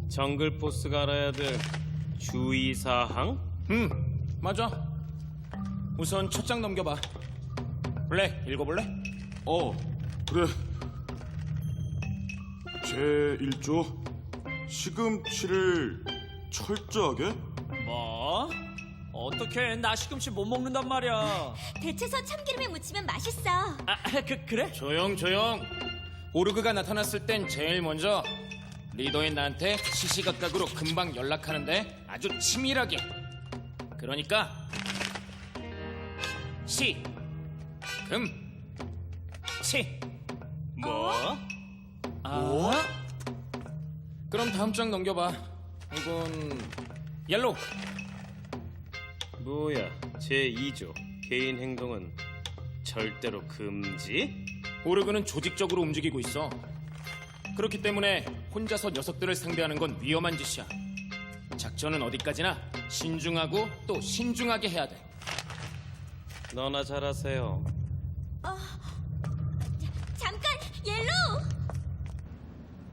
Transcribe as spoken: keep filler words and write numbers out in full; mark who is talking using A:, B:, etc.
A: 정글 보스가 알아야 될 주의사항?
B: 음, 맞아. 우선 첫 장 넘겨봐. 블랙, 읽어볼래?
C: 어, 그래. 제일 조 시금치를 철저하게?
D: 뭐? 어떻게 나 시금치 못 먹는단 말이야.
E: 데쳐서 참기름에 무치면 맛있어.
D: 아, 그, 그래?
B: 조용, 조용. 오르그가 나타났을 땐 제일 먼저 리더인 나한테 시시각각으로 금방 연락하는데 아주 치밀하게. 그러니까 시, 금, 치.
A: 뭐?
D: 뭐?
B: 그럼 다음 장 넘겨봐. 이건 옐로우.
A: 뭐야, 제이 조 개인 행동은 절대로 금지?
B: 오르그는 조직적으로 움직이고 있어. 그렇기 때문에 혼자서 녀석들을 상대하는 건 위험한 짓이야. 작전은 어디까지나 신중하고 또 신중하게 해야 돼.
A: 너나 잘하세요.
E: 잠깐, 옐로우!